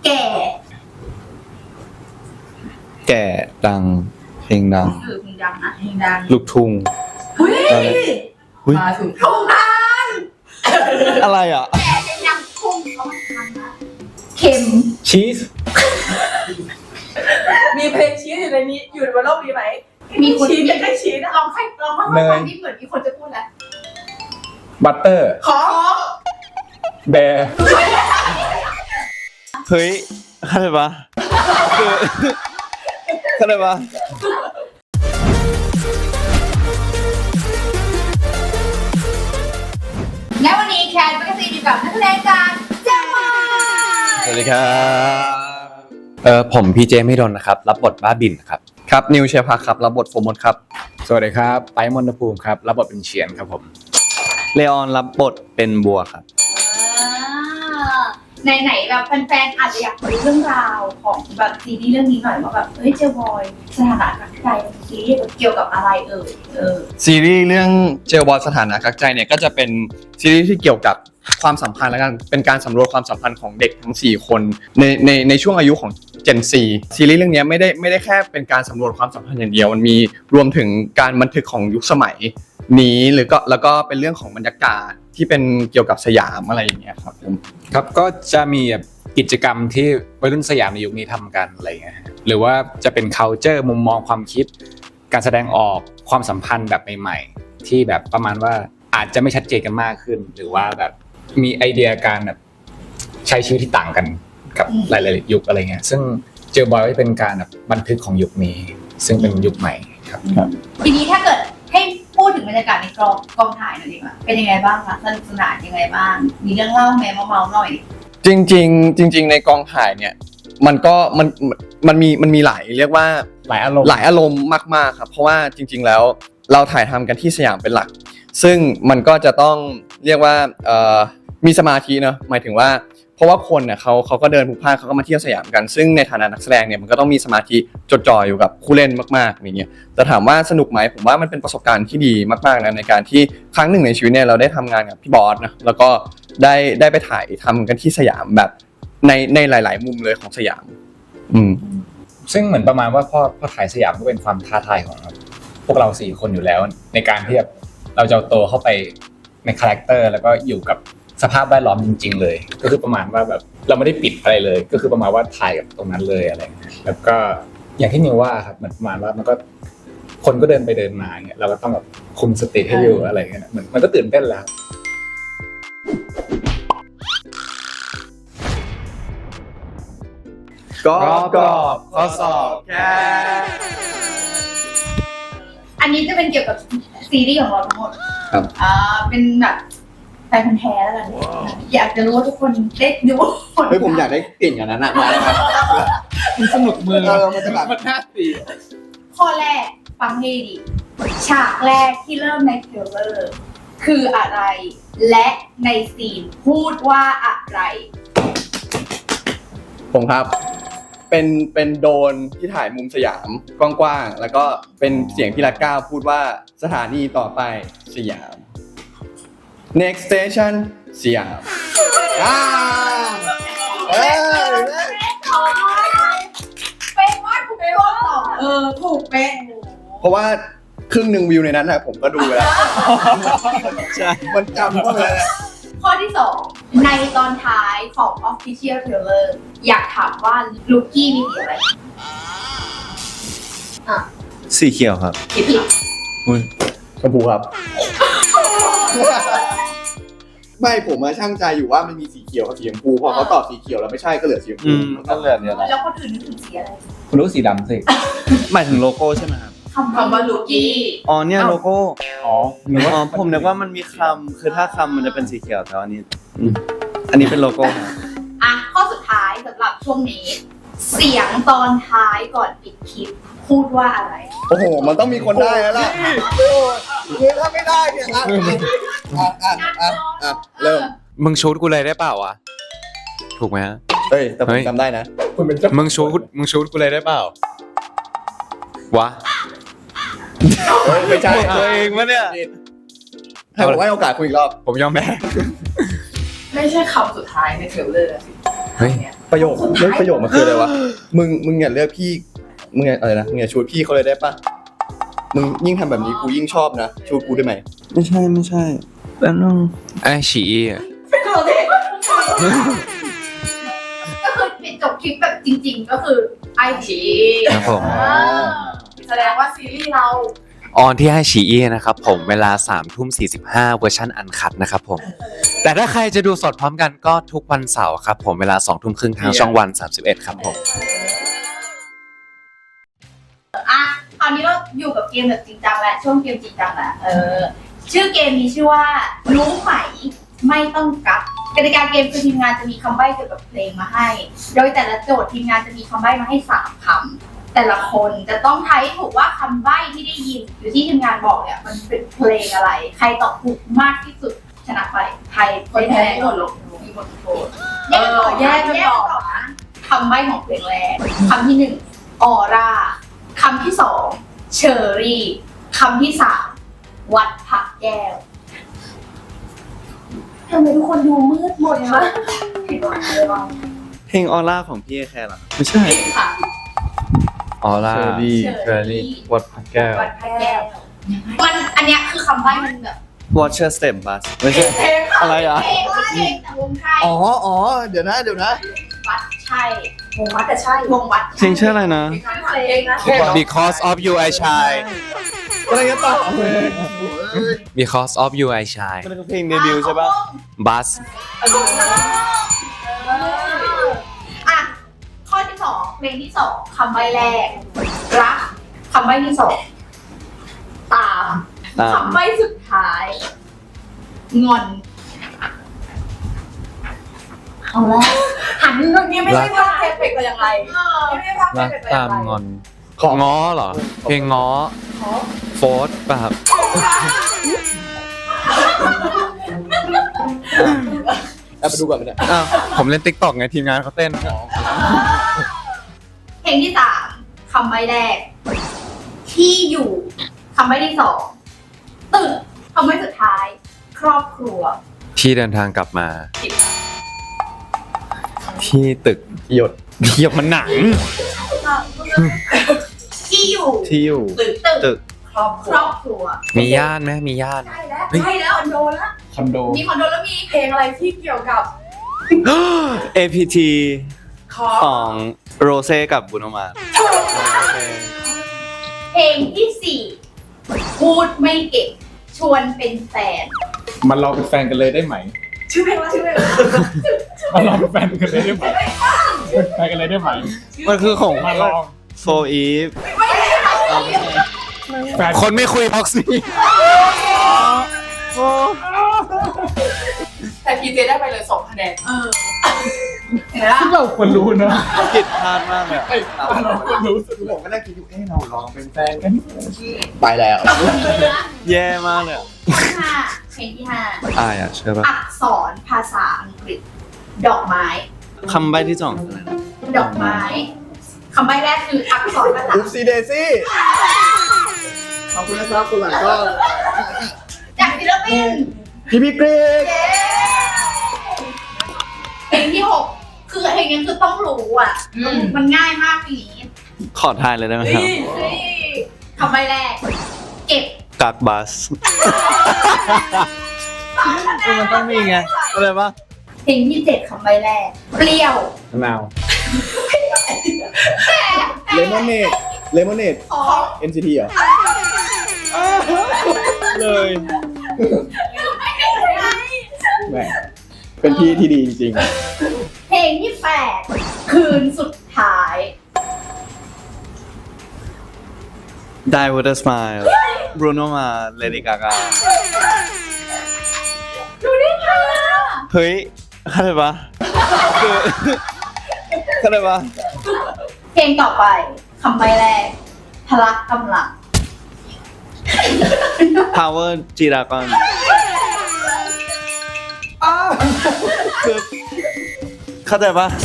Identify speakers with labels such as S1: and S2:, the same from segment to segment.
S1: แก่
S2: แก่ดังเพลงดัง
S1: เพลงดังนะเพลงดัง
S2: ลูกทุ่ง
S1: เฮ้ย
S3: มาถึง
S1: ถูกทาง
S2: อะไรอ่ะ
S1: แก่เพลงดังทุ่งเขามาทำนะเข็ม
S3: ชีส
S4: มีเพลงชีสอยู่ในนี้อยู่บนโลกนี้ไหม
S1: มีคน
S4: ชีสยังได้ชีสอะ
S1: ลองให้ฟังที่เหมือนมีคนจะพูดแล้ว
S3: บัตเตอร์
S4: ของ
S3: แบร์
S2: เฮ้ยเข้าใจปะคือเข้าใจปะ
S1: และวันนี้แคทแมกกาซีนอยู่กับนักแสดงจากเจ้ามา
S2: สวัสดีครับ
S5: ผมพีเจไม่ดนนะครับรับบทบ้าบินครับ
S2: ครับนิวเชพักครับรับบทโฟมดครับ
S3: สวัสดีครับไปมอนตภูมิครับรับบทเป็นเฉียนครับผม
S2: เลออนรับบทเป็นบัวครับ
S1: ไหนๆแบบแฟนๆอาจจะอยากรู้เรื่องราวของแบบซีรีส์เรื่องนี้หน่อยว่าแบบเฮ้ยเจลบอยสถานะรักใจซีรีส์เกี่ยวกับอะไร
S2: ซีรีส์เรื่องเจลบอยสถานะกักใจเนี่ยก็จะเป็นซีรีส์ที่เกี่ยวกับความสัมพันธ์และกันเป็นการสำรวจความสัมพันธ์ของเด็กทั้ง4คนในช่วงอายุของ Gen Z ซีรีส์เรื่องนี้ไม่ได้แค่เป็นการสำรวจความสัมพันธ์อย่างเดียวมันมีรวมถึงการบันทึกของยุคสมัยนี้แล้วก็เป็นเรื่องของบรรยากาศที่เป็นเกี่ยวกับสยามอะไรอย่างเงี้ยครับผม
S3: ครับก็จะมีแบบกิจกรรมที่วัยรุ่นสยามในยุคนี้ทำกันอะไรเงี้ยหรือว่าจะเป็น culture มุมมองความคิดการแสดงออกความสัมพันธ์แบบใหม่ๆที่แบบประมาณว่าอาจจะไม่ชัดเจนกันมากขึ้นหรือว่าแบบมีไอเดียการแบบใช้ชีวิตที่ต่างกันกับหลายๆยุคอะไรเงี้ยซึ่งเจอบอยก็จะเป็นการแบบบันทึกของยุคนี้ซึ่งเป็นยุคใหม่ครับ
S1: ทีนี้ถ้าเกิดให้พูดถึงบรรยากาศในกองถ่ายหน่อยดีกว่าเป็นยังไงบ้างคะสนุกสนานยังไงบ้างมีเรื่องเล่าไหมเมาๆหน่อย
S2: จริงในกองถ่ายเนี่ยมันมีหลายเรียกว่า
S3: หลายอารมณ์
S2: หลายอารมณ์มากๆครับเพราะว่าจริงๆแล้วเราถ่ายทำกันที่สยามเป็นหลักซึ่งมันก็จะต้องเรียกว่ามีสมาธิเนอะหมายถึงว่าเพราะว่าคนเนี่ยเขาก็เดินพลุกพล่านเขาก็มาเที่ยวสยามกันซึ่งในฐานะนักแสดงเนี่ยมันก็ต้องมีสมาธิจดจ่ออยู่กับผู้เล่นมากๆอย่างเงี้ยแต่ถามว่าสนุกไหมผมว่ามันเป็นประสบการณ์ที่ดีมากๆนะในการที่ครั้งหนึ่งในชีวิตเนี่ยเราได้ทำงานกับพี่บอสนะแล้วก็ได้ไปถ่ายทำกันที่สยามแบบในหลายๆมุมเลยของสยาม
S3: ซึ่งเหมือนประมาณว่าพอถ่ายสยามก็เป็นความท้าทายของพวกเรา4คนอยู่แล้วในการที่เราจะเอาตัวเข้าไปในคาแรคเตอร์แล้วก็อยู่กับสภาพแวดล้อมจริงๆเลยก็คือประมาณว่าแบบเราไม่ได้ปิดอะไรเลยก็คือประมาณว่าถ่ายกับตรงนั้นเลยอะไรเงี้ยแล้วก็อย่างที่นิวว่าครับเหมือนประมาณว่ามันก็คนก็เดินไปเดินมาเงี้ยเราก็ต้องแบบคุมสติให้อยู่อะไรเงี้ยเหมือนมันก็ตื่นเต้นแล้ว
S2: ก็ข้อสอบแค่
S1: อันนี้จะเป็นเกี่ยวกับซีรีส์ของเราทั้งหมด
S2: ครับ
S1: เป็นแบบแฟนพันธุ์แท้แล้วกันอยากจะรู้ว่าทุกคนได้ดูผล
S2: เฮ้ยผมอยากได้กลิ่นอย่างนั้นอะมาได้ไหม
S3: มันสนุกมือ
S2: มันจะแบบ
S3: มันน่าตี
S1: ข้อแรกฟังให้ดีฉากแรกที่เริ่มในเทรลเลอร์คืออะไรและในซีนพูดว่าอะไร
S2: ผมครับเป็นโดรนที่ถ่ายมุมสยามกว้างๆแล้วก็เป็นเสียงพี่รัตก้าวพูดว่าสถานีต่อไปสยาม next station สยามเอ้ย
S1: เป๊ะมากถูกเป๊ะตอบถูกเป๊ะ
S2: เพราะว่าครึ่งหนึ่งวิวในนั้นนะผมก็ดูไปแล้วใช่มันจำเข้าไปแล้ว
S1: ข้อที่ 2 ในตอนท้ายของ Official Trailer อยากถามว่าลูกี้มีสีอะไร
S2: สีเขียวครับ
S1: ผิด
S2: ชมพูครับ ไม่ผมมาช่างใจอยู่ว่ามันมีสีเขียวกับสีชมพูพอเขาตอบสีเขียวแล้วไม่ใช่ก็เหลือสีชมพูก็เหลือเนี่ย
S1: แล้วคนอื่นนึกถึงสีอะไร
S3: คุณรู้สีดำสิ
S2: หมายถึงโลโก้ใช่ไหมครับ
S1: คำว่าลูกี้
S2: อ๋อเนี่ยโลโก้
S3: อ๋อนึกว่า
S2: อ๋อผมนึกว่ามันมีคำคือถ้าคำมันจะเป็นสีเขียวแต่อันนี้เป็นโลโก้ครับ
S1: อ่ะข้อสุดท้ายสำหรับช่วงนี้ เสียงตอนท้ายก่อนปิดคลิปพูดว่าอะไร
S2: โอ้โหมันต้องมีคนได้แล้วล่ะคือถ้าไม่ได้เนี่ยเริ่ม
S5: มึงชูดกูเลยได้เปล่าวะถูกไหมฮะ
S2: เฮ้ยแต่ผมจำได้นะ
S3: คุณเป็นเจ้า
S5: มึงชูดกูเลยได้เปล่า วะ
S2: ไม่ใช่
S5: ตัวเองวะเนี่ย
S2: ให้ผมให้โอกาสคุณอีกรอบ
S5: ผมยอมแพ้
S4: ไม่ใช่คำสุดท้ายในเทรลเลอร์สิ
S5: เฮ้ย
S2: ประโยคเลือกประโยคมันคืออะไรวะ มึงอย่าเลือกพี่ มึงอย่าอะไรนะมึงอย่าชูดพี่เขาเลยได้ปะมึงยิ่งทำแบบนี้กูยิ่งชอบนะชูดกูได้ไหมไม่ใช่แล้วน้อง
S5: ไอ้ฉีอีอะ
S4: เป็นตัวเด็ก
S1: ก็คือปิดจบคลิปแบบจริง ๆ ก็คือไอชี
S5: ครับผม
S4: แสดงว่าซีรีส์เรา
S5: ออนที่ไอฉีอีนะครับผมเวลา 3:45 เวอร์ชันอันคัดนะครับผม แต่ถ้าใครจะดูสดพร้อมกันก็ทุกวันเสาร์ครับผมเวลา 20:30 ทางช่องวัน 31 ครับผม
S1: อ่ะคราวนี้เราอยู่กับเกมแบบจริงจังแล้วช่วงเกมจริงจังแล้วชื่อเกมนี้ชื่อว่ารู้ไหมไม่ต้องกักกติกาเกมคือทีมงานจะมีคำใบ้เกี่ยวกับเพลงมาให้ โดยแต่ละโจทย์ทีมงานจะมีคำใบ้มาให้3 คำแต่ละคนจะต้องทายให้ถูกว่าคำใบ้ที่ได้ยินหรือที่ทีมงานบอกเนี่ยมันเป็นเพลงอะไร ใครตอบถูกมากที่สุดชนะไปใคร
S4: คนแพ้หมดลง
S1: มีบทโทษแยกกันต่อนะคำใบ้ของเพลงแรกคำที่1ออร่าคำที่2เชอรี่คำที่3วัดผักแก้วทำไมทุกคนดูมืดหมดวะผิดหวังเลยว่ะ
S2: เพลงออร่าของพี่แคร์เหรอไม่ใช่
S1: ค่ะ
S5: ออร่า
S2: เชอรี่
S5: เชอรี่วัดพระแก้ว
S1: วัดผักแก้วมันอันเนี้ยคือคำใบ้มันแบบ
S2: Watcher Step Bus ไม่ใช่
S4: เพลง
S2: อะไรอ่ะ
S1: เพลงว่าเพลงแต่วงไทย
S2: อ๋อเดี๋ยวนะ
S1: วัดใช่
S4: วงวัดแต่ใช่
S1: วงวัด
S2: เพลงชื่ออะไรนะ
S4: เพลงนะ
S5: Because of you I shine
S2: อะไรกันต่อ
S5: Because of you I shine
S2: มันคือเพลงเดบิวต์ใช่ปะ
S5: Bus
S1: อ่ะข้อที่2เพลงที่2คำใบ้แรกรักคำใบ้ที่2ตามคำใบ้สุดท้ายงอนเอาละหัน
S4: นี่ไม่ใช่ภาพเพลงแต่อย่างไรไม่ใช่ภาพเพล
S5: รั
S4: ง
S5: ก
S4: แต่อย่า
S5: ตาง ม
S4: ไรง
S5: อน ง้อเหรอ เพลงง้อโฟร์ธป่ะครับ
S2: เอาไปดูก่อนไปเนี่ย
S5: อ้าวผมเล่น TikTok ไงทีมงานเขาเต้น
S1: เพลงที่3คำใบ้แรกที่อยู่คำใบ้ที่2ตึกคำใบ้สุดท้าย ครอบครัว
S5: พี่เดินทางกลับมา พี่ตึก
S2: หยด
S5: เทียบมันหนัง
S1: ที่อยู่
S2: ที่อยู่
S1: ตึก
S2: ตึก
S4: ครอบค
S1: ค
S4: รั
S1: ร
S4: ว
S1: อบครัว
S5: มีย่านไหมมีย่าน
S4: ใช่แล้วใช่แล้วคอนโดแล้ว
S3: คอนโด
S1: มีคอนโดแล้วมี
S4: เพลงอะไรที่เกี่ยวกับ
S6: APT
S4: คอ
S6: ของโรเซ่กับบุโนมา
S1: เพลงที่4พูดไม่เก่งชวนเป็นแฟน
S3: มันเราเป็นแฟนกันเลยได้ไหม
S4: ชื่อเพลงว่าชื่อเพลง
S3: มันเราเป็นแฟนกันเลยได้ไหมเป็นแฟนกันเลยได้ไหม
S6: มันคือของ
S3: มาลอง
S6: โฟอีฟ
S3: แฟน
S5: คนไม่คุยพ็อกซี่
S4: แต่พีเจได้ไปเลย2 คะแนน
S1: เห็นไหมล่ะ
S3: ซึ่งเราควรรู้นะ
S6: ผิดพลาดมากเลยอะ
S3: ไอ้เราควรรู้สึก
S2: ผมก็นั่งคิดอยู่เราลองเป็น
S3: แฟนกัน
S2: ไปแล้ว
S6: แย่มากเลยอะ
S1: เพลงที่
S6: อายอ่ะใช่ปะ
S1: 5อักษรภาษาอังกฤษ ดอกไม้
S6: คำใบ้ที่สองคืออะไรนะ
S1: ดอกไม้คำใบ้แรกคืออักษรภาษา
S2: อุ๊บซีเดซี่ขอบคุณนะครับคุณหลังก็
S1: จากศิลปิน
S2: พี่กรีก
S1: เย้เพลงที่6คือเพลงนี้คือต้องรู้อ่ะมันง่ายมากเพลงนี้
S6: ขอทายเลยได้ไหมครับ
S1: เฮ้ยคำใบ้แรก เก็บ
S6: กักบัส มันต้องมีไงอะไรปะ
S1: เพลงที่7คำใบ้แรก เปรี้ยว
S3: มะนาว
S2: เลมอนเนด
S1: ขอ
S2: NCT เหรอ
S6: เลย
S2: แหมเป็นพี่ที่ดีจริง
S1: เพลงที่8คืนสุดท้าย
S6: Die with a smile Bruno Mars Lady Gaga
S1: ดูได้ไงอ่ะ
S6: เฮ้ยเข้าใจปะคือเข้าใจปะ
S1: เพลงต่อไปคำใบ้แรก พละกำลัง
S6: Power G Dragon คือเข้าใจปะ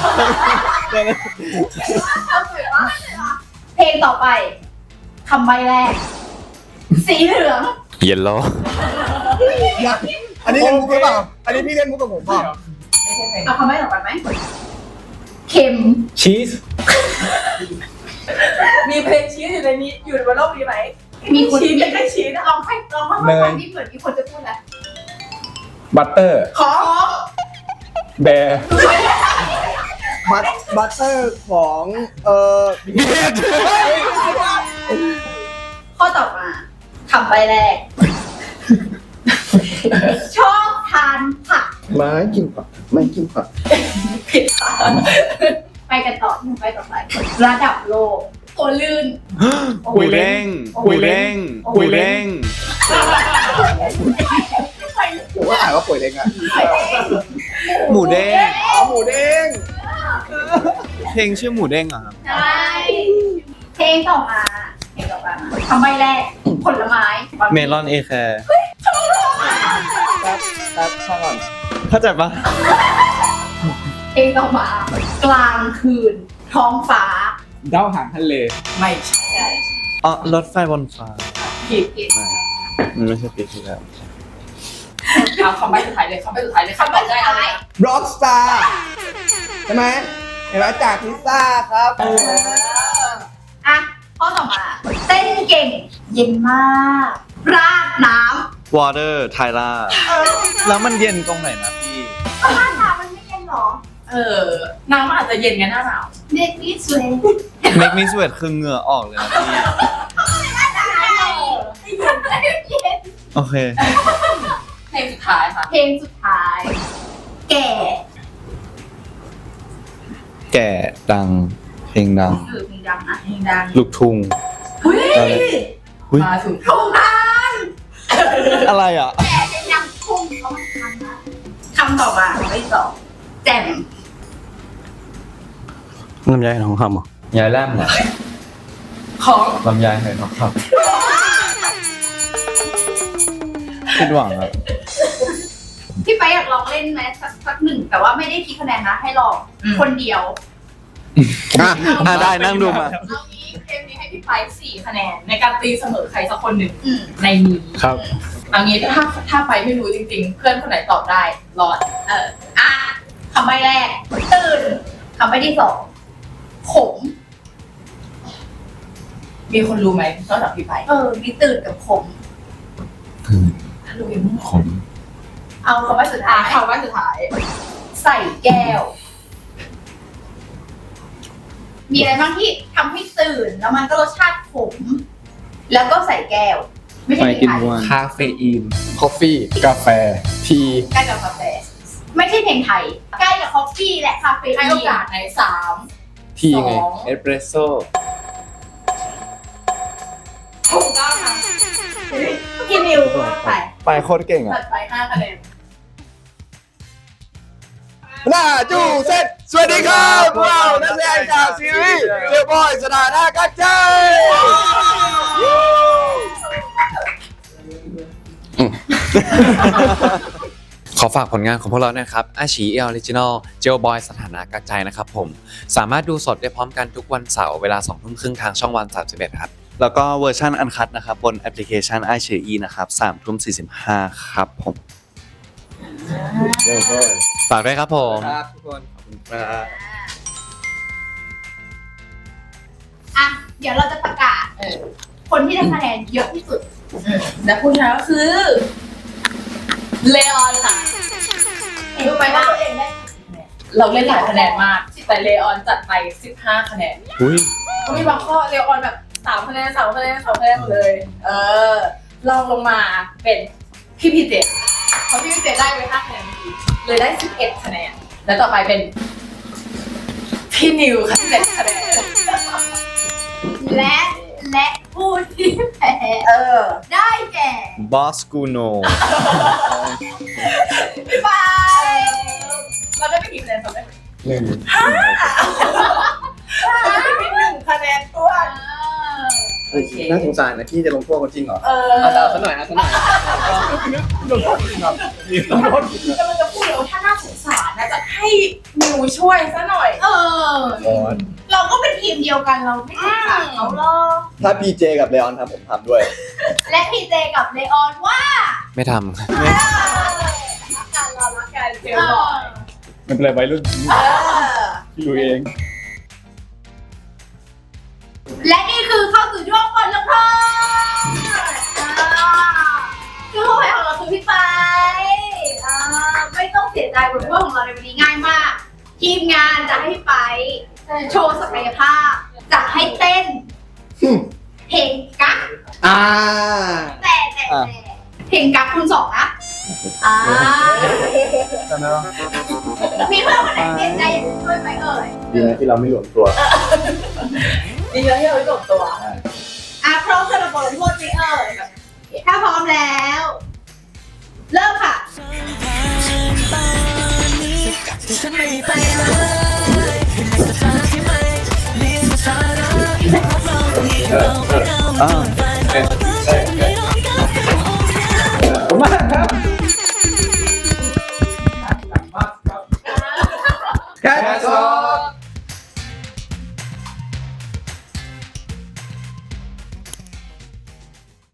S1: เพลงต่อไปคำใบ้แรก สีเหลือง
S5: เยลโล่
S2: ๆอันนี้เล่นมุกหรือเปล่า อันนี้พี่เล่นมุกกับผมเปล่า
S1: เอาคำใบ้ต่อไปไหมเค็ม
S3: ชีส
S4: มีเพลงชีสอยู่ในนี้อยู่บนโลกนี้ไหม
S1: มีคน
S4: ชีสไม่ใช่ชีสนะ
S1: ลองให้ฟังที่เหมือนมีคนจะพูดแล้ว
S3: บัตเตอร์
S4: ของ
S3: แบร์
S2: บัตเตอร์ของ
S1: ข้อต่อมาคำใบแรก ชอบทานผัก
S2: ไม่กินผักไม่กินผัก
S1: ผิดค่ะไปกันต่อที่ไปต่อไประดับโลกตัวลื่น
S6: กุยเร่งกุยเร่งกุยเร่ง
S2: ผมก็อ่านว่าป่วยเล็กอะ
S6: หมูเด้ง
S2: หมูเด้ง
S6: เพลงชื่อหมูเด้งเหรอครับ
S1: ใช่เพลงต่อมาคำใบแรกผลไม้
S6: เมลอนเอแคร์
S2: แป๊บข้างก่อน
S6: เข้าใจปะ
S1: เพลงต่อมากลางคืน ท้องฟ้า
S3: ดาวหางทะเล
S4: ไม่ใช่
S1: ใช่
S6: อ๋อรถไฟบนฟ้า
S4: ผิด
S6: มันไม่ใช่ปีที่แล้ว
S4: เอาคำใบ้สุดท้ายเลยคำใบ้สุดท้ายเลยคำใบ้ได้อะไรนะ
S2: ร็อกสตาร์ใช่ไหมเห็นไหมจากพิซซ่าครับ
S1: อ่ะข้อต่อมา เต้นเก่ง เย็นมาก ราดน้
S6: Water ไทล่าแล้วมันเย็นตรงไหนนะพี่
S1: ำราดน้ำมันไม่เย็นหรอ
S4: น้ำมันอาจจะเย็นไงหน้าหนาว
S1: เด็กนี่สวย
S6: Make me sweat คือเหงื่อออกเลยนะพี่ โอเค
S4: เพลงสุดท้ายค่ะ
S1: เพลงสุดท้าย แก่
S6: แก่ดัง เพลงดัง
S1: เพลงดังนะ
S4: เพลงดัง
S6: ลูกทุ่ง
S4: เฮ้ย
S6: อุ๊ย
S4: มาถึง
S1: ถูกต้อง
S6: อะไรอ่ะ
S1: แก่เพลงดังทุ่งเขามาทำนะคำต่อมาไม่ตอบแจ่ม
S6: ลำไยทองคำเหรอยายแลมเหรอ
S4: ของ
S6: ลำไยไหทองคำคิดหวังอ่ะ
S1: พี่ไปอยากลองเล่นไหมสักหนึ่งแต่ว่าไม่ได้คิดคะแนนนะให้ลองคนเดียว
S6: ได้นั่งดูมา
S4: เอางี้เกมนี้ให้พี่ไป4 คะแนนในการตีเสมอใครสักคนหนึ่ง
S1: อืม
S4: ในนี้
S6: ครับ
S4: เอางี้ถ้าไปไม่รู้จริงๆ เพื่อนคนไหนตอบได้รอด
S1: อ่ะคำใบแรก ตื่นคำใบที่สองขม
S4: มีคนรู้ไหมนอกจากพี่ไป
S1: มีตื่นกับขม
S4: รู้ยัง
S6: ขม
S1: เอาคำใบสุดท้าย
S4: คำว่าสุดท้าย
S1: ใส่แก้ว มีอะไรบ้างที่ทำให้ตื่นแล้วมันก็รสชาติขม แล้วก็ใส่แก้ว ไม่ใช่
S6: ไป
S1: เพล
S6: กิ
S1: ง
S6: น
S1: ไทย
S6: วัน
S3: คาเฟอีน
S2: คอฟฟี่
S3: กาแฟ
S2: ที
S1: ใกล้กับกาแฟ ไม่ใช่เพลงไทย ใกล้กับคอฟฟี่และคาเฟอีน
S4: ให้โอกาสใน3
S2: ทีไง
S6: เอสเปรสโซ่
S4: ถูกต้องค่ะ
S1: พี่นิวก็ไป
S2: ไปโคตรเก่ง
S4: จั
S2: อ่ะ
S4: ดไป5 คะแนน
S2: หน้าจูเซตสวัสดีครับพวกเรานักแสดงจากซีรีส์เรียบอยสถานะกักใจ
S5: ขอฝากผลงานของพวกเรานะครับอาชีออริจินอลเจลบอยสถานะกักใจนะครับผม สามารถดูสดได้พร้อมกันทุกวันเสาร์เวลา 20:30 ทางช่องวัน 31 ครับ
S6: แล้วก็เวอร์ชันอันคัดนะครับบนแอปพลิเคชัน iQIYI นะครับ3:45ครับผม
S5: ฝากด้วยครับผม
S2: ครับทุกคนขอบคุณครับ
S1: อ่ะ เดี๋ยวเราจะประกาศคนที่ได้คะแนนเยอะที่สุด
S4: และผู้ชนะก็คือเลออนค่ะ
S1: รู้ไหมว่าตัวเองได้
S4: เราเล่นหลายคะแนนมาก แต่เลออนจัดไป15 คะแนน
S6: อุ้ย
S4: ก็มีบางข้อเลออนแบบ3 คะแนน3 คะแนน3 คะแนนหมดเลย ลองลงมาเป็นพี่พีเจเพราะพี่พีเจได้ไป5 คะแนนเมื่อกี้เลยได้11 คะแนน แล้วต่อไปเป็นพี่นิวค่ะ7 คะแนน
S1: และผู้ที่แพ้ได้แก่
S6: บอสกูโน
S1: พี่ปาย
S4: เราได้ไปกี่คะแนนจำได้ไหม
S2: หนึ่ง
S4: ได้ไป1 คะแนนตัว โอเค
S2: น่าสงสารนะพี่จะลงโทษเขาจริงเหรอ
S4: เอา
S2: เอาซะหน่อยเอาซะหน่อย
S4: กำลังจะพูดเลยว่าถ้าน่าสงสารนะจะให้นิวช่วยซะหน่อย
S1: เราก็เป็นทีมเดียวกันเราไม่สงสารเขาหรอก
S2: ถ้าพีเจกับเลออนทำผมทำด้วย
S1: และพีเจกับเลออนว่า
S5: ไม่ทำ
S4: รักกันเรารักกันเจลบอย
S3: มันเป็นอะไรวัยรุ่น
S4: เออ
S2: อยู่เอง
S1: และนี่คือเข้าสู่ช่วงบทลงโทษคือผู้แพ้ของเราคือพี่ไปไม่ต้องเสียใจบทลงโทษของเราในวันนี้ง่ายมาก ทีมงานจะให้พี่ไปโชว์ศักยภาพ จะให้เต้นเพลงกั๊ก แต่เพลงกั๊กคุณสองนะมีเพื่อนคนไหนเต้นได้อยากจะช่วยไหมเอ่ย
S2: ดีนะที่เราไม่หลวมตัว
S4: ดีแล้วที่เราไม่จบตัว
S1: พร้อมสำหรับบทลงโทษไหมเอ่ยถ้าพร้อมแล้ว เริ่มค่ะ
S7: ฉันไม่ไปเลยในสถานที่ไม่มีสถานะที่เราไม่เอา